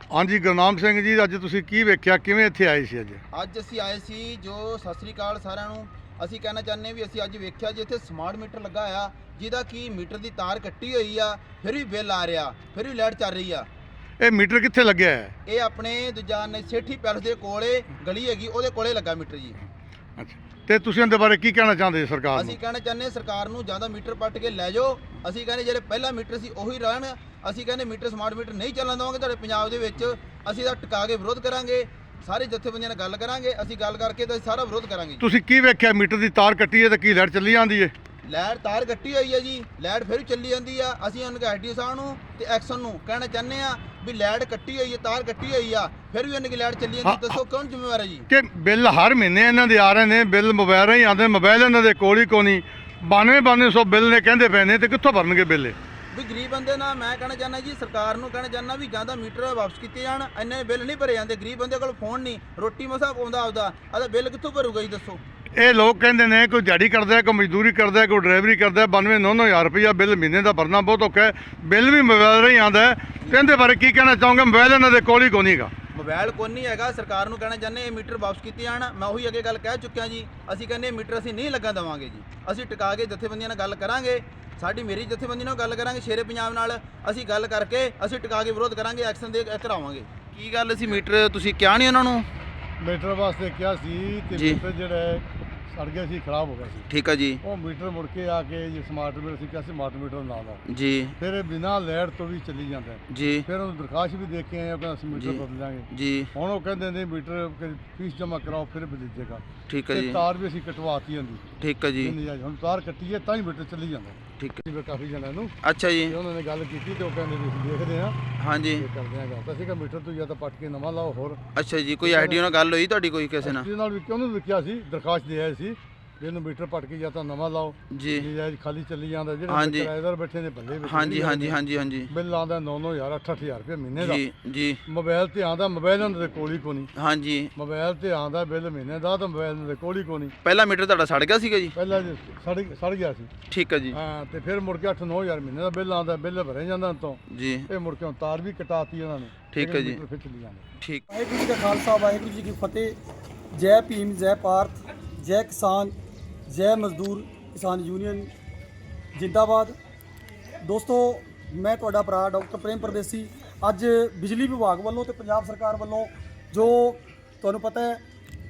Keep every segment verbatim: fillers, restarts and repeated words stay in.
हाँ जी गुरनाम सिंह जी, अज तुसीं की वेख्या, किवें इत्थे आए सी? अज ਅੱਜ ਅਸੀਂ ਆਏ ਸੀ ਜੋ ਸਤਿ ਸ੍ਰੀ ਅਕਾਲ ਸਾਰਿਆਂ ਨੂੰ। ਅਸੀਂ ਕਹਿਣਾ ਚਾਹੁੰਦੇ ਵੀ ਅਸੀਂ ਅੱਜ ਵੇਖਿਆ ਜੀ ਇੱਥੇ ਸਮਾਰਟ ਮੀਟਰ ਲੱਗਾ ਆ, ਜਿਹਦਾ ਕੀ ਮੀਟਰ ਦੀ ਤਾਰ ਕੱਟੀ ਹੋਈ ਆ, ਫਿਰ ਵੀ ਬਿੱਲ ਆ ਰਿਹਾ, ਫਿਰ ਵੀ ਲਾਈਟ ਚੱਲ ਰਹੀ ਆ। ਇਹ ਮੀਟਰ ਕਿੱਥੇ ਲੱਗਿਆ ਹੈ? ਇਹ ਆਪਣੇ ਦੂਜਾ ਨੇ ਸੇਠੀ ਪੈਲਸ ਦੇ ਕੋਲੇ ਗਲੀ ਹੈਗੀ, ਉਹਦੇ ਕੋਲੇ ਲੱਗਾ ਮੀਟਰ ਜੀ। ਅੱਛਾ, ਤੇ ਤੁਸੀਂ ਇਹਦੇ ਬਾਰੇ ਕੀ ਕਹਿਣਾ ਚਾਹੁੰਦੇ ਸਰਕਾਰ ਨੂੰ? ਅਸੀਂ ਕਹਿਣਾ ਚਾਹੁੰਦੇ ਸਰਕਾਰ ਨੂੰ ਜ਼ਿਆਦਾ ਮੀਟਰ ਪੱਟ ਕੇ ਲੈ ਜਾਓ। ਅਸੀਂ ਕਹਿੰਦੇ ਜਿਹੜੇ ਪਹਿਲਾ ਮੀਟਰ ਸੀ ਉਹੀ ਰਹਿਣ। ਅਸੀਂ ਕਹਿੰਦੇ ਮੀਟਰ ਸਮਾਰਟ ਮੀਟਰ ਨਹੀਂ ਚੱਲਣ ਦੇਵਾਂਗੇ ਤੁਹਾਡੇ ਪੰਜਾਬ ਦੇ ਵਿੱਚ। ਅਸੀਂ ਤਾਂ ਟਿਕਾ ਕੇ ਵਿਰੋਧ ਕਰਾਂਗੇ, ਸਾਰੇ ਜਥੇਬੰਦੀਆਂ ਨਾਲ ਗੱਲ ਕਰਾਂਗੇ। ਅਸੀਂ ਗੱਲ ਕਰਕੇ ਤਾਂ ਸਾਰਾ ਵਿਰੋਧ ਕਰਾਂਗੇ। ਤੁਸੀਂ ਕੀ ਵੇਖਿਆ? ਮੀਟਰ ਦੀ ਤਾਰ ਕੱਟੀ ਹੈ ਤੇ ਕੀ ਲਾਈਟ ਚੱਲੀ ਜਾਂਦੀ ਹੈ? ਲਾਈਟ ਤਾਰ ਕੱਟੀ ਹੋਈ ਹੈ ਜੀ, ਲਾਈਟ ਫਿਰ ਵੀ ਚੱਲੀ ਜਾਂਦੀ ਆ। ਅਸੀਂ ਉਹਨਾਂ ਐਸਡੀਓ ਸਾਹਿਬ ਨੂੰ ਤੇ ਐਕਸ਼ਨ ਨੂੰ ਕਹਿਣਾ ਚਾਹੁੰਦੇ ਆ ਵੀ ਲਾਈਟ ਕੱਟੀ ਹੋਈ ਹੈ, ਤਾਰ ਕੱਟੀ ਹੋਈ ਆ, ਫਿਰ ਵੀ ਉਹਨਾਂ ਦੀ ਲਾਈਟ ਚੱਲੀ ਜਾਂਦੀ। ਦੱਸੋ ਕੌਣ ਜ਼ਿੰਮੇਵਾਰ ਹੈ ਜੀ? ਕਿ ਬਿੱਲ ਹਰ ਮਹੀਨੇ ਇਹਨਾਂ ਦੇ ਆ ਰਹੇ ਨੇ, ਬਿੱਲ ਮੋਬਾਈਲ ਰਾਹੀਂ ਆਉਂਦੇ, ਮੋਬਾਈਲ ਇਹਨਾਂ ਦੇ ਕੋਲ ਹੀ ਕੋਈ ਨਹੀਂ। ਬਾਨਵੇਂ ਬਾਨਵੇਂ ਸੌ ਬਿੱਲ ਨੇ ਕਹਿੰਦੇ ਪਏ ਨੇ, ਤੇ ਕਿੱਥੋਂ ਭਰਨਗੇ ਬਿੱਲ? ਵੀ ਗਰੀਬ ਬੰਦੇ ਨਾਲ ਮੈਂ ਕਹਿਣਾ ਚਾਹੁੰਦਾ ਜੀ, ਸਰਕਾਰ ਨੂੰ ਕਹਿਣਾ ਚਾਹੁੰਦਾ ਵੀ ਜਾਂ ਤਾਂ ਮੀਟਰ ਵਾਪਸ ਕੀਤੇ ਜਾਣ। ਇੰਨੇ ਬਿੱਲ ਨਹੀਂ ਭਰੇ ਜਾਂਦੇ, ਗਰੀਬ ਬੰਦੇ ਕੋਲ ਫੋਨ ਨਹੀਂ, ਰੋਟੀ ਮਸਾ ਪਾਉਂਦਾ ਆਪਦਾ, ਆਦਾ ਬਿੱਲ ਕਿੱਥੋਂ ਭਰੂਗਾ ਜੀ? ਦੱਸੋ। ਇਹ ਲੋਕ ਕਹਿੰਦੇ ਨੇ ਕੋਈ ਦਿਹਾੜੀ ਕਰਦਾ, ਕੋਈ ਮਜ਼ਦੂਰੀ ਕਰਦਾ, ਕੋਈ ਡਰਾਈਵਰੀ ਕਰਦਾ, ਬਾਨਵੇਂ ਨੌ ਨੌ ਹਜ਼ਾਰ ਰੁਪਈਆ ਬਿੱਲ ਮਹੀਨੇ ਦਾ ਭਰਨਾ ਬਹੁਤ ਔਖਾ ਹੈ। ਬਿੱਲ ਵੀ ਮੋਬਾਈਲ ਰਾਹੀਂ ਆਉਂਦਾ ਹੈ। ਤੇ ਇਹਦੇ ਬਾਰੇ ਕੀ ਕਹਿਣਾ ਚਾਹੋਗੇ? ਮੋਬਾਈਲ ਇਹਨਾਂ ਦੇ ਕੋਲ ਹੀ ਕੋਈ ਨਹੀਂ ਹੈਗਾ। ਮੋਬਾਈਲ ਕੋਈ ਨਹੀਂ ਹੈਗਾ। ਸਰਕਾਰ ਨੂੰ ਕਹਿਣਾ ਚਾਹੁੰਦੇ ਇਹ ਮੀਟਰ ਵਾਪਸ ਕੀਤੇ ਜਾਣ। ਮੈਂ ਉਹੀ ਅੱਗੇ ਗੱਲ ਕਹਿ ਚੁੱਕਿਆ ਜੀ। ਅਸੀਂ ਕਹਿੰਦੇ ਇਹ ਮੀਟਰ ਅਸੀਂ ਨਹੀਂ ਲੱਗਣ ਦੇਵਾਂਗੇ ਜੀ। ਅਸੀਂ ਟਿਕਾ ਕੇ ਜਥੇਬੰਦੀਆਂ ਨਾਲ ਗੱਲ ਕਰਾਂਗੇ, ਸਾਡੀ ਮੇਰੀ ਜਥੇਬੰਦੀ ਨਾਲ ਗੱਲ ਕਰਾਂਗੇ, ਸ਼ੇਰੇ ਪੰਜਾਬ ਨਾਲ ਅਸੀਂ ਗੱਲ ਕਰਕੇ ਅਸੀਂ ਟਿਕਾ ਕੇ ਵਿਰੋਧ ਕਰਾਂਗੇ, ਐਕਸ਼ਨ ਦੇ ਕਰਾਵਾਂਗੇ। ਕੀ ਗੱਲ ਸੀ ਮੀਟਰ ਤੁਸੀਂ ਕਿਹਾ ਨਹੀਂ ਉਹਨਾਂ ਨੂੰ? ਮੀਟਰ ਵਾਸਤੇ ਕਿਹਾ ਸੀ ਤੇ ਜੀ। ਮੀਟਰ ਜਿਹੜਾ ਸੜ ਗਿਆ ਸੀ, ਖਰਾਬ ਹੋ ਗਿਆ ਸੀ। ਠੀਕ ਆ ਜੀ। ਉਹ ਮੀਟਰ ਮੁੜ ਕੇ ਆ ਕੇ ਜੀ ਸਮਾਰਟ ਮੀਟਰ ਸੀ, ਕਿਹਾ ਸੀ ਸਮਾਰਟ ਮੀਟਰ ਨਾ ਲਾਓ। ਜੀ ਫਿਰ ਬਿਨਾਂ ਲਾਈਟ ਤੋਂ ਵੀ ਚੱਲੀ ਜਾਂਦਾ ਹੈ। ਜੀ ਫਿਰ ਉਹਨੂੰ ਦਰਖਾਸਤ ਵੀ ਦੇ ਕੇ ਆਏ, ਉਹ ਕਹਿੰਦਾ ਅਸੀਂ ਮੀਟਰ ਜੀ। ਬਦਲ ਦਾਂਗੇ। ਜੀ ਹੁਣ ਉਹ ਕਹਿੰਦੇ ਨੇ ਮੀਟਰ ਫੀਸ ਜਮ੍ਹਾਂ ਕਰਾਓ ਫਿਰ ਬਦਲ ਜਾਏਗਾ। ਠੀਕ ਆ ਤੇ ਜੀ। ਤਾਰ ਵੀ ਅਸੀਂ ਕਟਵਾਤੀ ਹੁੰਦੀ। ਠੀਕ ਆ ਜੀ। ਹੁਣ ਤਾਰ ਕੱਟੀ ਹੈ ਤਾਂ ਹੀ ਮੀਟਰ ਚੱਲੀ ਜਾਂਦਾ। ਠੀਕ ਆ। ਜਿਵੇਂ ਕਾਫੀ ਜਣਿਆਂ ਨੂੰ ਅੱਛਾ ਜੀ। ਤੇ ਉਹਨਾਂ ਨੇ ਗੱਲ ਕੀਤੀ ਤੇ ਉਹ ਕਹਿੰਦੇ ਵੀ ਅਸੀਂ ਦੇਖਦੇ ਹਾਂ, ਹਾਂਜੀ। ਇਹ ਕਰਦੇ ਹਾਂ ਗੱਲ। ਤਾਂ ਅਸੀਂ ਕਿਹਾ ਮੀਟਰ ਤੋਂ ਜਾਂ ਤਾਂ ਪੱਟ ਕੇ ਨਵਾਂ ਲਾਓ। ਹੋਰ ਅੱਛਾ ਜੀ, ਕੋਈ ਆਈਡੀਓ ਨਾਲ ਗੱਲ ਹੋਈ ਤੁਹਾਡੀ ਕੋਈ ਕਿਸੇ ਨਾਲ? ਜਿਹਦੇ ਨਾਲ ਵੀ ਕਿਉਂ ਨਹੀਂ ਲਿਖਿਆ ਸੀ, ਦਰਖਾਸਤ ਦੇ ਆਏ ਸੀ ਵੀ ਇਹਨੂੰ ਮੀਟਰ ਪੱਟ ਕੇ ਜਾਂ ਤਾਂ ਨਵਾਂ ਲਾਓ। ਜੀ ਨਜਾਇਜ਼ ਖਾਲੀ ਚੱਲੀ ਜਾਂਦਾ। ਜਿਹੜੇ ਹਾਂਜੀ। ਕਿਰਾਏਦਾਰ ਬੈਠੇ ਨੇ ਬੱਲੇ ਵਿੱਚ ਹਾਂਜੀ ਹਾਂਜੀ ਹਾਂਜੀ ਹਾਂਜੀ। ਬਿੱਲ ਆਉਂਦਾ ਨੌ ਨੌ ਹਜ਼ਾਰ ਅੱਠ ਅੱਠ ਹਜ਼ਾਰ ਰੁਪਏ ਮਹੀਨੇ ਦਾ। ਜੀ ਜੀ ਮੋਬਾਈਲ ਤੇ ਆਉਂਦਾ, ਮੋਬਾਈਲ ਉਹਨਾਂ ਦੇ ਕੋਲ ਹੀ ਕੋਈ ਨਹੀਂ। ਹਾਂਜੀ। ਮੋਬਾਈਲ ਤੇ ਆਉਂਦਾ ਬਿੱਲ ਮਹੀਨੇ ਦਾ, ਤਾਂ ਮੋਬਾਈਲ ਉਹਨਾਂ ਦੇ ਕੋਲ ਹੀ ਕੋਈ ਨਹੀਂ। ਪਹਿਲਾ ਮੀਟਰ ਤੁਹਾਡਾ ਸੜ ਗਿਆ ਸੀਗਾ ਜੀ? ਪਹਿਲਾਂ ਜੀ ਸੜ ਸੜ ਗਿਆ ਸੀ। ਠੀਕ ਆ ਜੀ। ਹਾਂ, ਤੇ ਫਿਰ ਮੁੜ ਕੇ ਅੱਠ ਨੌ ਹਜ਼ਾਰ ਮਹੀਨੇ ਦਾ ਬਿੱਲ ਆਉਂਦਾ, ਬਿੱਲ ਭਰੇ ਜਾਂਦਾ ਤੋਂ। ਜੀ ਇਹ ਮੁੜ ਕੇ ਤਾਰ ਵੀ ਕਟਾਤੀ ਉਹਨਾਂ ਨੇ। ਠੀਕ ਹੈ ਜੀ। ਮੀਟਰ ਫਿਰ ਚੱਲੀ ਜਾਂਦੇ। ਠੀਕ। ਵਾਹਿਗੁਰੂ ਜੀ ਕਾ ਖਾਲਸਾ, ਵਾਹਿਗੁਰੂ ਜੀ ਕੀ ਫਤਿਹ। ਜੈ ਭੀਮ, ਜੈ ਭਾਰਤ, ਜੈ ਕਿਸਾਨ, ਜੈ ਮਜ਼ਦੂਰ ਕਿਸਾਨ ਯੂਨੀਅਨ ਜਿੰਦਾਬਾਦ। ਦੋਸਤੋ, ਮੈਂ ਤੁਹਾਡਾ ਭਰਾ ਡਾਕਟਰ ਪ੍ਰੇਮ ਪਰਦੇਸੀ। ਅੱਜ ਬਿਜਲੀ ਵਿਭਾਗ ਵੱਲੋਂ ਤੇ ਪੰਜਾਬ ਸਰਕਾਰ ਵੱਲੋਂ ਜੋ ਤੁਹਾਨੂੰ ਪਤਾ ਹੈ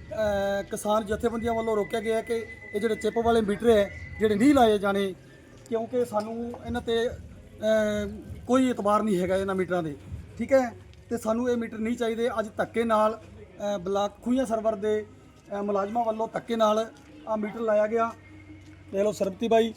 ਅ, ਕਿਸਾਨ ਜਥੇਬੰਦੀਆਂ ਵੱਲੋਂ ਰੋਕਿਆ ਗਿਆ ਕਿ ਇਹ ਜਿਹੜੇ ਚਿੱਪ ਵਾਲੇ ਮੀਟਰ ਹੈ ਜਿਹੜੇ ਨਹੀਂ ਲਾਏ ਜਾਣੇ, ਕਿਉਂਕਿ ਸਾਨੂੰ ਇਹਨਾਂ ਤੇ ਅ, ਕੋਈ ਇਤਬਾਰ ਨਹੀਂ ਹੈਗਾ ਇਹਨਾਂ ਮੀਟਰਾਂ ਦੇ। ਠੀਕ ਹੈ, ਤੇ ਸਾਨੂੰ ਇਹ ਮੀਟਰ ਨਹੀਂ ਚਾਹੀਦੇ। ਅੱਜ ਧੱਕੇ ਨਾਲ ਅ, ਬਲਾਕ ਖੂਹੀਆਂ ਸਰਵਰ ਦੇ ਅ, ਮੁਲਾਜ਼ਮਾਂ ਵੱਲੋਂ ਧੱਕੇ ਨਾਲ ਆ ਮੀਟਰ ਲਾਇਆ ਗਿਆ। ਦੇਖ ਲਓ, ਸਰਬਤੀ ਬਾਈ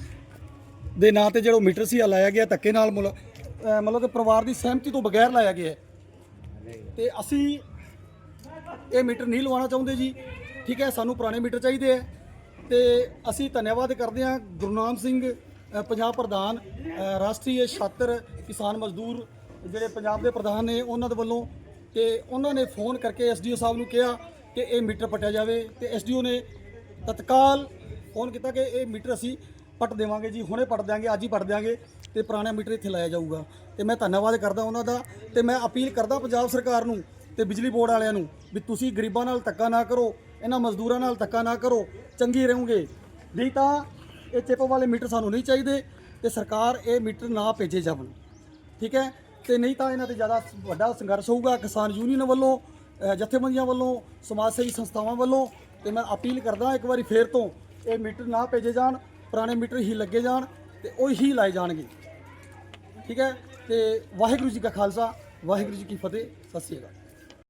ਦੇ ਨਾਂ ਤੇ ਜਿਹੜਾ ਮੀਟਰ ਸੀ ਆ ਲਾਇਆ ਗਿਆ ਧੱਕੇ ਨਾਲ, ਮੁਲ- ਅ, ਮਤਲਬ ਕਿ ਪਰਿਵਾਰ ਦੀ ਸਹਿਮਤੀ ਤੋਂ ਬਗੈਰ ਲਾਇਆ ਗਿਆ ਹੈ। ਤੇ ਅਸੀਂ ਇਹ ਮੀਟਰ ਨਹੀਂ ਲਵਾਉਣਾ ਚਾਹੁੰਦੇ ਜੀ। ਠੀਕ ਹੈ, ਸਾਨੂੰ ਪੁਰਾਣੇ ਮੀਟਰ ਚਾਹੀਦੇ ਹੈ। ਤੇ ਅਸੀਂ ਧੰਨਵਾਦ ਕਰਦੇ ਹਾਂ ਗੁਰਨਾਮ ਸਿੰਘ ਅ, ਪੰਜਾਬ ਪ੍ਰਧਾਨ, ਅ, ਰਾਸ਼ਟਰੀ ਛਾਤਰ ਕਿਸਾਨ ਮਜ਼ਦੂਰ ਜਿਹੜੇ ਪੰਜਾਬ ਦੇ ਪ੍ਰਧਾਨ ਨੇ, ਉਹਨਾਂ ਦੇ ਵੱਲੋਂ। ਤੇ ਉਹਨਾਂ ਨੇ ਫੋਨ ਕਰਕੇ ਐਸਡੀਓ ਸਾਹਿਬ ਨੂੰ ਕਿਹਾ ਕਿ ਇਹ ਮੀਟਰ ਪੱਟਿਆ ਜਾਵੇ, ਤੇ ਐਸਡੀਓ ਨੇ ਤਤਕਾਲ ਫੋਨ ਕੀਤਾ ਕਿ ਇਹ ਮੀਟਰ ਅਸੀਂ ਪੱਟ ਦੇਵਾਂਗੇ ਜੀ, ਹੁਣੇ ਪੱਟ ਦਿਆਂਗੇ, ਅੱਜ ਹੀ ਪੱਟ ਦਿਆਂਗੇ, ਤੇ ਪੁਰਾਣਾ ਮੀਟਰ ਇੱਥੇ ਲਾਇਆ ਜਾਊਗਾ। ਤੇ ਮੈਂ ਧੰਨਵਾਦ ਕਰਦਾ ਉਹਨਾਂ ਦਾ। ਤੇ ਮੈਂ ਅਪੀਲ ਕਰਦਾ ਪੰਜਾਬ ਸਰਕਾਰ ਨੂੰ ਤੇ ਬਿਜਲੀ ਬੋਰਡ ਵਾਲਿਆਂ ਨੂੰ ਵੀ ਤੁਸੀਂ ਗਰੀਬਾਂ ਨਾਲ ਧੱਕਾ ਨਾ ਕਰੋ, ਇਹਨਾਂ ਮਜ਼ਦੂਰਾਂ ਨਾਲ ਧੱਕਾ ਨਾ ਕਰੋ, ਚੰਗੀ ਰਹੋਗੇ। ਨਹੀਂ ਤਾਂ ਇਹ ਚਿੱਪ ਵਾਲੇ ਮੀਟਰ ਸਾਨੂੰ ਨਹੀਂ ਚਾਹੀਦੇ, ਤੇ ਸਰਕਾਰ ਇਹ ਮੀਟਰ ਨਾ ਭੇਜੇ ਜਾਵਣ। ਠੀਕ ਹੈ, ਤੇ ਨਹੀਂ ਤਾਂ ਇਹਨਾਂ ਤੇ ਜ਼ਿਆਦਾ ਵੱਡਾ ਸੰਘਰਸ਼ ਹੋਊਗਾ ਕਿਸਾਨ ਯੂਨੀਅਨ ਵੱਲੋਂ, ਅ, ਜਥੇਬੰਦੀਆਂ ਵੱਲੋਂ, ਸਮਾਜ ਸੇਵੀ ਸੰਸਥਾਵਾਂ ਵੱਲੋਂ। ਤੇ ਮੈਂ ਅਪੀਲ ਕਰਦਾ ਇੱਕ ਵਾਰੀ ਫੇਰ ਤੋਂ, ਇਹ ਮੀਟਰ ਨਾ ਭੇਜੇ ਜਾਣ, ਪੁਰਾਣੇ ਮੀਟਰ ਹੀ ਲੱਗੇ ਜਾਣ ਤੇ ਉਹ ਹੀ ਲਾਏ ਜਾਣਗੇ। ਠੀਕ ਹੈ, ਤੇ ਵਾਹਿਗੁਰੂ ਜੀ ਕਾ ਖਾਲਸਾ, ਵਾਹਿਗੁਰੂ ਜੀ ਕੀ ਫਤਿਹ। ਸਤਿ ਸ਼੍ਰੀ ਅਕਾਲ।